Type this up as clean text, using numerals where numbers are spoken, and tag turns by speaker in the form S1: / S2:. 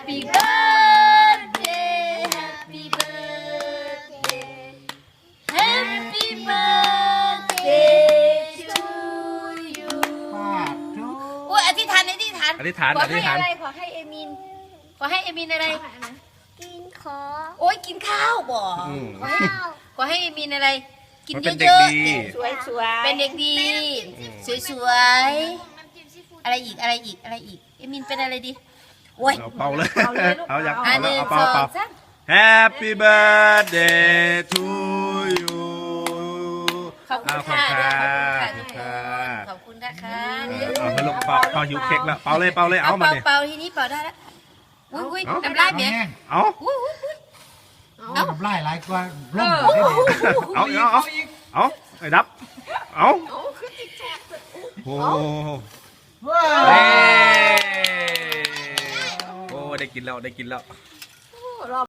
S1: Happy birthday Happy birthday Happy birthday to you โอ้ยอธิษฐานขอให้อะไรขอให้เอมินอะไร
S2: กินขอ
S1: โอ้ยกินข้าวบ่ขอให้เอมินอะไรกินเยอะๆสวยๆเป็นเด็กดีสวยๆอะไรอีกเอมินเป็นอะไรดีโอ้ย
S3: เป่าเลยเอาอยาก
S1: หนึ่ง
S3: เป่า
S1: สองสาม
S3: Happy birthday to you
S1: ขอบคุณค่ะขอบคุณนะคะ
S3: เอาไปลงเป่าหิวเค้กแล้วเป่าเลยเอามาเนี่ย
S1: เป่าทีนี้เป่าได้แล้วอุ้ยน้ำลายเบี้ย
S3: เอา
S4: น้ำลายหลายกว่าร่ม
S3: เอาไอ้ดับเอาโอ้โหได้กินแล้ว